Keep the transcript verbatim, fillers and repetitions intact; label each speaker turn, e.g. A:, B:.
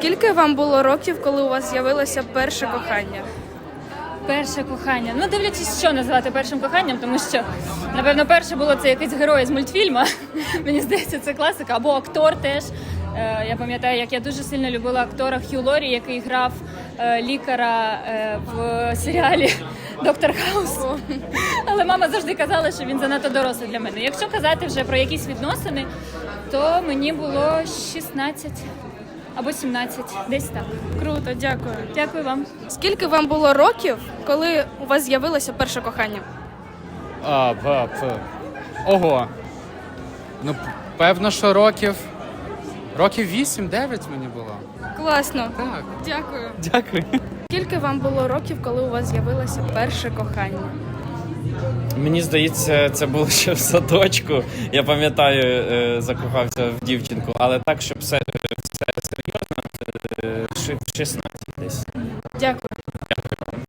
A: Скільки вам було років, коли у вас з'явилося перше кохання?
B: Перше кохання. Ну, дивлячись, що називати першим коханням, тому що, напевно, перше було це якийсь герой з мультфільму. Мені здається, це класика. Або актор теж. Е, Я пам'ятаю, як я дуже сильно любила актора Хью Лорі, який грав е, лікаря е, в серіалі «Доктор Хаус». Але мама завжди казала, що він занадто дорослий для мене. Якщо казати вже про якісь відносини, то мені було шістнадцять або сімнадцять, десь так.
A: Круто, дякую.
B: Дякую вам.
A: Скільки вам було років, коли у вас з'явилося перше кохання?
C: А, п, п. Ого. Ну, п- певно, що років. Років вісім-дев'ять мені було.
A: Класно.
C: Так.
A: Дякую.
C: Дякую.
A: Скільки вам було років, коли у вас з'явилося перше кохання?
D: Мені здається, це було ще в садочку. Я пам'ятаю, е, закохався в дівчинку, але так, щоб все, все серйозно, е, ши- шістнадцять десь.
A: Дякую.